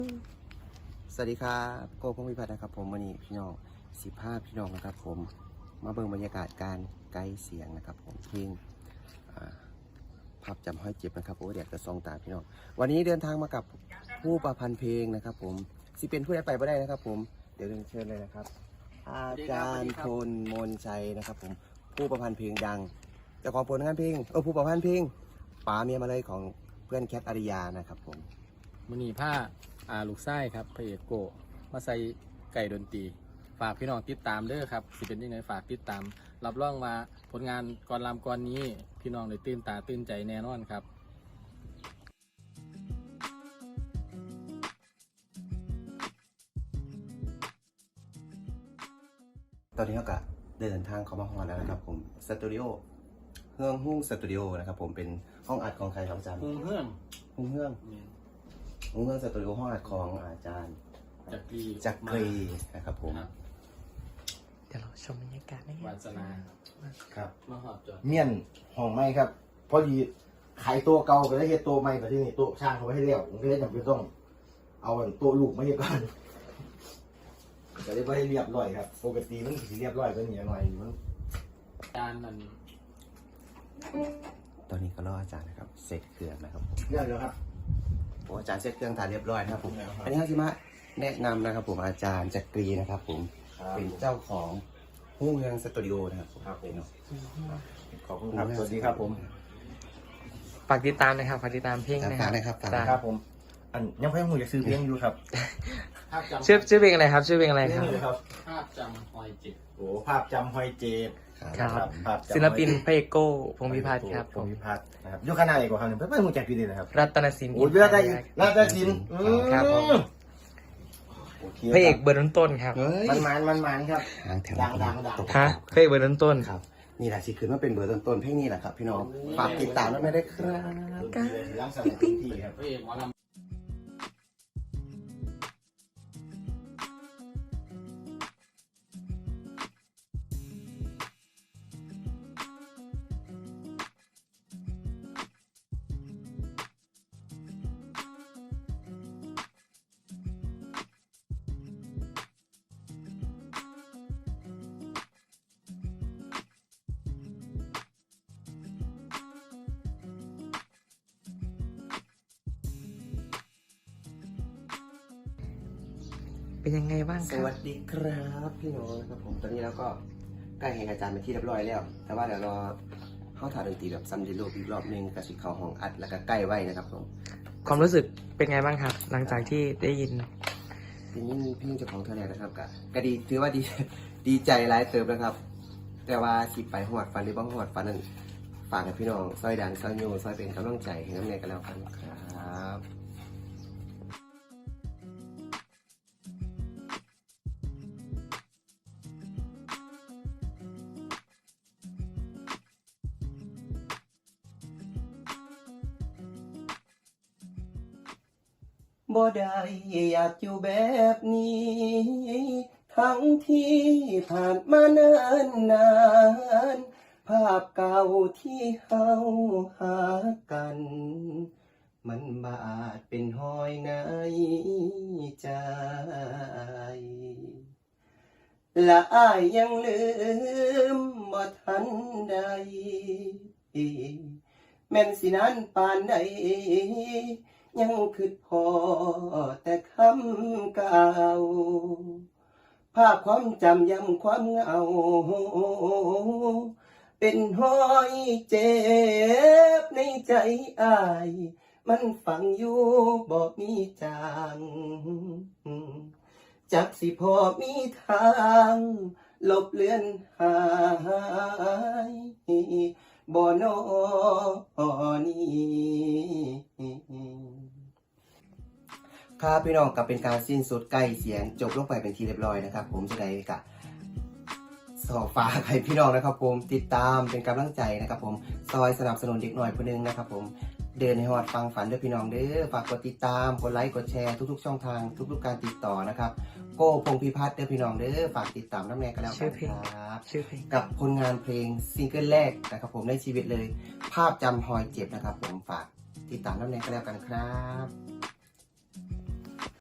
สวัสดีครับโก้พงพิพัฒน์นะครับผมวันนี้พี่น้อง15พี่น้องนะครับผมมาเบิ่งบรรยากาศการไกด์เสียงนะครับผมเพลงภาพจำห้อยเจ็บนะครับโอ้เดี๋ยวจะซองตาพี่น้องวันนี้เดินทางมากับผู้ประพันธ์เพลงนะครับผมสิเป็นผู้ใดไปไม่ได้นะครับผมเดี๋ยวเรียนเชิญเลยนะครับอาจารย์พลมนชัยนะครับผมผู้ประพันธ์เพลงดังเจ้าของผลงานเพลงผู้ประพันธ์เพลงป๋าเมียมาเลยของเพื่อนแคทอาริยานะครับผมมือนีผ้าลูกไส้ครับพระเอกโกมาใส่ไก่ดนตรีฝากพี่น้องติดตามเด้อครับสิเป็นยังไงฝากติดตามรับรองมาผลงานก่อนลำก่อนนี้พี่น้องได้ตื่นตาตื่นใจแน่นอนครับตอนนี้เราก็เดินทางเข้ามาฮอดแล้วนะครับผมสตูดิโอเฮืองหุ้งสตูดิโอนะครับผมเป็นห้องอัดของใครครับอาจารย์เฮืองหุ้งเฮืองสตูดิโอห้องอัดของอาจารย์จักรีนะครับผมเดี๋ยวเราชมบรรยากาศได้วาสนาครับมาหอบจอดเมียนห้องไม้ครับพอดีขายตัวเก่าไปแล้วเฮ็ดตัวใหม่ไปที่นี่โต๊ะช่างเขาไม่ให้เลี้ยวผมก็เลยจำเป็นต้องเอาโต๊ะลูกมาเฮ็ดก่อนก็เลยไม่ให้เรียบร้อยครับปกติมันสิเรียบร้อยกว่านี้หน่อยมันจานมันตอนนี้ก็รออาจารย์นะครับเสร็จเครื่องนะครับผมเรียบร้อยครับผมอาจารย์เสร็จเครื่องถ่ายเรียบร้อยนะครับผมอันนี้ที่มาแนะนำนะครับผมอาจารย์จักรีนะครับผมเป็นเจ้าของหุ้งเฮืองสตูดิโอนะครับผมครับผมขอบคุณครับสวัสดีครับผมฝากติดตามนะครับฝากติดตามเพลงนะคฝารักบนะครับฝากจ้ะครับผมอันยังไม่ให้หมูอยากซื้อเพลงอยู่ครับภาพจำชื่อเพลงอะไรครับชื่อเพลงอะไรเพลคงรับนี้ครับภาพจำหอยจิตโอ้ภาพจำหอยเจ็บครับภาพจำศิลปินพระเอกโก้พงษ์พิพัฒน์ครับพงษ์พิพัฒน์นะครับยกคณะอีกกว่าครั้งหนึ่งเพื่อนๆมูแจกพี่ดีนะครับรัตนศิลป์โอ้ยเลือดได้อีกน่าจะกินครับผมโอเคพระเอกเบอร์ต้นๆครับเฮ้ยมันครับหางแถวดังตกฮะพระเอกเบอร์ต้นครับนี่แหละสิคือว่าเป็นเบอร์ต้นๆเพลงนี้แหละครับพี่น้องฝากติดตามด้วยไม่ได้ครับล้างสมองพื้นที่ครับพระเอกหมอลำๆเป็นยังไงบ้างสครับวัสดีครับพี่น้องนะครับผมตอนนี้เราก็ใกล้เห็นอาจารย์เป็นที่เรียบร้อยแล้ว แต่ว่าเดี๋ยวรอเข้าถ่ายดนตรีแบบซัมเดโลอีกรอบนึงกับสิเข้าห้องอัดแล้วก็ใกล้ไว้นะครับผมความรู้สึกเป็นไงบ้างครับ หลังจากที่ได้ยินเพลงนี้เพลงเจ้าของเท่าไหร่นะครับก็ดีถือว่าดีดีใจหลายเติมนะครับ แต่ว่าสิไปหอดฟันหรือบ้างหอดฟันนั้นฝากให้พี่น้องซอยดังซอยโยซอยเป็นกำลังใจให้น้ำเนยกันแล้วกันครับบ่ได้อยากอยู่แบบนี้ ทั้งที่ผ่านมานานนานภาพเก่าที่เฮาหากัน มันบาดเป็นหอยในใจ และอ้ายยังลืมบ่ทันใด แม่นสินานปานใดยังคิดพอแต่คำเก่าภาพความจำย้ำความเหงาเป็นหอยเจ็บในใจอ้ายมันฝังอยู่บ่มีจางจักสิพอมีทางลบเลือนหายบ่นอนี้ครับพี่น้องกับเป็นการสิ้นสุดใกล้เสียงจบลงไปเป็นทีเรียบร้อยนะครับผมจะได้กะสอบฝากให้พี่น้องนะครับผมติดตามเป็นกำลังใจนะครับผมซอยสนับสนุนเด็กหน่อยคนนึงนะครับผมเดินในหอดฟังฝันด้วยพี่น้องเด้อฝากกดติดตามกดไลค์กดแชร์ทุกๆช่องทางทุกๆการติดต่อนะครับโก้พงษ์พิพัฒน์เด้อพี่น้องเด้อฝากติดตามน้ำแน่กันแล้วกันครับชื่อเพลงกับผลงานเพลงซิงเกิลแรกนะครับผมในชีวิตเลยภาพจำหอยเจ็บนะครับผมฝากติดตามน้ำแน่กันแล้วกันครับ